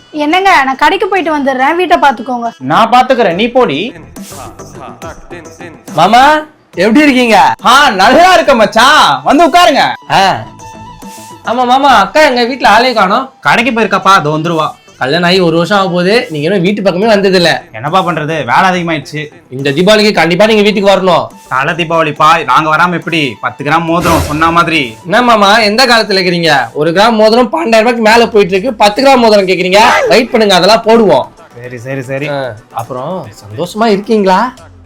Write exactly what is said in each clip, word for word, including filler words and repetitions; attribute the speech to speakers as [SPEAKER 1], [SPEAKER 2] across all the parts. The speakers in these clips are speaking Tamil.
[SPEAKER 1] என்னங்க நான் கடைக்கு போயிட்டு வந்துடுறேன், வீட்டை பாத்துக்கோங்க.
[SPEAKER 2] நான் பாத்துக்கிறேன், நீ போடி.
[SPEAKER 3] மாமா எப்படி இருக்கீங்க?
[SPEAKER 2] ஆ நல்லா இருக்க மச்சான், வந்து உட்காருங்க.
[SPEAKER 3] ஆமா மாமா, அக்கா எங்க வீட்டுல ஆளே காணோம்.
[SPEAKER 2] கடைக்கு போயிருக்காப்பா, அது வந்துருவா.
[SPEAKER 3] கல்யாணம் ஆகி ஒரு வருஷம் ஆக போகுது, நீங்க இன்னும் வீட்டு பக்கமே வந்தது இல்ல.
[SPEAKER 2] என்னப்பா பண்றது, வேலை அதிகமாயிடுச்சு.
[SPEAKER 3] இந்த தீபாவளிக்கு கண்டிப்பா நீங்க வீட்டுக்கு வரணும்.
[SPEAKER 2] தலை தீபாவளிப்பா, நாங்க வராம எப்படி? பத்து கிராம் மோதிரம் சொன்ன மாதிரி.
[SPEAKER 3] என்ன மாமா எந்த காலத்துல இருக்கிறீங்க? ஒரு கிராம் மோதிரம் பன்னெண்டாயிரம் ரூபாய்க்கு மேல போயிட்டு இருக்கு, பத்து கிராம் மோதிரம் கேக்குறீங்க. வெயிட் பண்ணுங்க, அதெல்லாம் போடுவோம்.
[SPEAKER 2] சரி சரி சரி.
[SPEAKER 3] அப்புறம் சந்தோஷமா இருக்கீங்களா?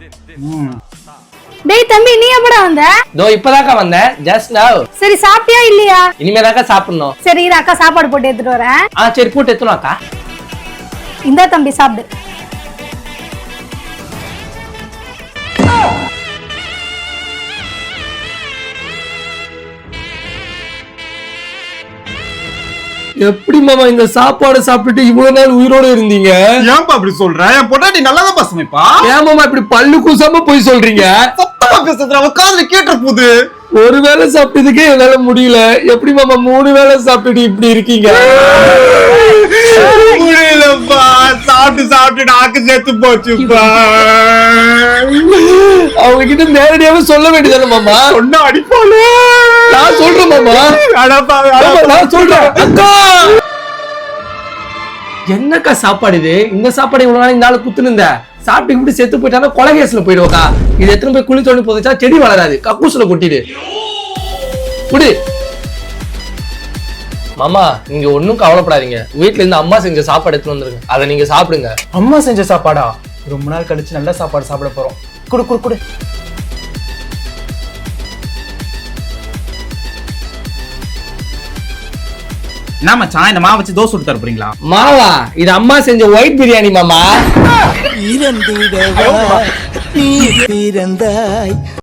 [SPEAKER 1] டேய் தம்பி, நீ எப்படா வந்த?
[SPEAKER 3] தோ இப்பதாக்கா வந்தேன், ஜஸ்ட் நவ்.
[SPEAKER 1] சரி சாப்பிட்டியா இல்லையா?
[SPEAKER 3] இனிமேதாக்கா சாப்பிடணும்.
[SPEAKER 1] சரி இரு, அக்கா சாப்பாடு போட்டு எடுத்துட்டு வரேன்.
[SPEAKER 3] ஆ சரி, போட்டு எத்தணும் அக்கா.
[SPEAKER 1] இந்தா தம்பி சாப்பிடு.
[SPEAKER 3] எப்படி மாமா இந்த சாப்பாடு சாப்பிட்டுட்டு இவ்வளவு நாள் உயிரோட இருந்தீங்க?
[SPEAKER 2] ஏன்பா அப்படி சொல்ற? என் பொண்டாட்டி நல்லாதான் சமைப்பா.
[SPEAKER 3] ஏன் மாமா இப்படி பல்லு கூசாம போய் சொல்றீங்க?
[SPEAKER 2] சத்தமா பேசுற, அவ காதுல கேட்ட போது.
[SPEAKER 3] ஒரு வேளை சாப்பிட்டதுக்கே என்னால முடியல, எப்படி மாமா மூணு வேளை சாப்பிட்டுட்டு இப்படி இருக்கீங்க?
[SPEAKER 2] முடியலப்பா, சாப்பிட்டு சாப்பிட்டு நாக்கு சேர்த்து போச்சுப்பா.
[SPEAKER 3] அவங்க கிட்ட நேரடியாவே சொல்ல வேண்டியதானே மாமா?
[SPEAKER 2] ஒன்னா அடிப்பாளு.
[SPEAKER 3] நான் சொல்றேன் மாமா,
[SPEAKER 2] அடப்பா,
[SPEAKER 3] நான் சொல்றேன். அக்கா என்னக்கா சாப்பாடு இது? இந்த சாப்பாடு இவ்வளவு நாள் இந்த ஆளு குத்துன்னு இருந்த சாப்பிட்டு இப்படி செத்து போயிட்டானா கொலகேஸ்ல போயிடுவோக்கா. இது எத்தனை போய் குழி தோண்டி போதச்சா செடி வளராது, கக்கூசுல கொட்டிடு. குடி மாமா, நீங்க ஒன்னும் கவலைப்படாதீங்க. வீட்டுல இருந்து அம்மா செஞ்ச சாப்பாடு எடுத்துட்டு வந்துருங்க, அதை நீங்க சாப்பிடுங்க.
[SPEAKER 2] அம்மா செஞ்ச சாப்பாடா? ரொம்ப நாள் கழிச்சு நல்ல சாப்பாடு சாப்பிட போறோம். குடு குடு குடு. என்ன மச்சான், இந்த மாவு வச்சு தோசை சுட்டு தர போறீங்களா?
[SPEAKER 3] மாவா? இது அம்மா செஞ்ச ஒயிட் பிரியாணி மாமா.
[SPEAKER 4] இறந்திடவா நீ பிறந்தாய்.